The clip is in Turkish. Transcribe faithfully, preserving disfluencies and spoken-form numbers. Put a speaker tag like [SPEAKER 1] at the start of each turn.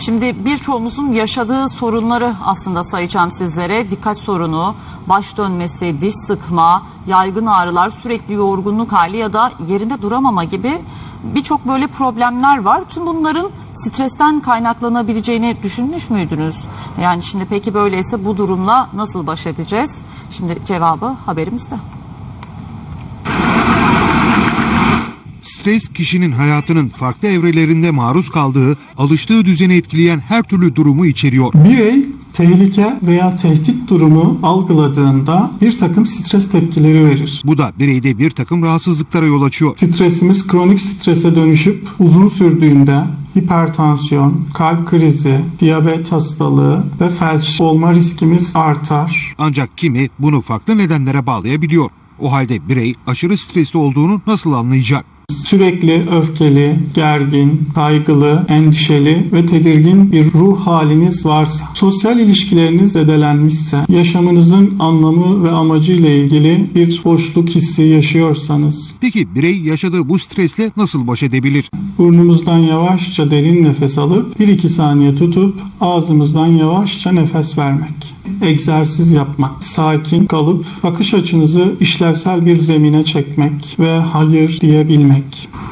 [SPEAKER 1] Şimdi birçoğumuzun yaşadığı sorunları aslında sayacağım sizlere. Dikkat sorunu, baş dönmesi, diş sıkma, yaygın ağrılar, sürekli yorgunluk hali ya da yerinde duramama gibi birçok böyle problemler var. Tüm bunların stresten kaynaklanabileceğini düşünmüş müydünüz? Yani şimdi peki böyleyse bu durumla nasıl baş edeceğiz? Şimdi cevabı haberimizde.
[SPEAKER 2] Stres, kişinin hayatının farklı evrelerinde maruz kaldığı, alıştığı düzeni etkileyen her türlü durumu içeriyor.
[SPEAKER 3] Birey tehlike veya tehdit durumu algıladığında bir takım stres tepkileri verir.
[SPEAKER 2] Bu da bireyde bir takım rahatsızlıklara yol açıyor.
[SPEAKER 3] Stresimiz kronik strese dönüşüp uzun sürdüğünde hipertansiyon, kalp krizi, diyabet hastalığı ve felç olma riskimiz artar.
[SPEAKER 2] Ancak kimi bunu farklı nedenlere bağlayabiliyor. O halde birey aşırı stresli olduğunu nasıl anlayacak?
[SPEAKER 3] Sürekli öfkeli, gergin, kaygılı, endişeli ve tedirgin bir ruh haliniz varsa, sosyal ilişkileriniz zedelenmişse, yaşamınızın anlamı ve amacı ile ilgili bir boşluk hissi yaşıyorsanız,
[SPEAKER 2] Peki birey yaşadığı bu stresle nasıl baş edebilir?
[SPEAKER 3] burnumuzdan yavaşça derin nefes alıp bir iki saniye tutup ağzımızdan yavaşça nefes vermek. Egzersiz yapmak, sakin kalıp bakış açınızı işlevsel bir zemine çekmek ve hayır diyebilmek.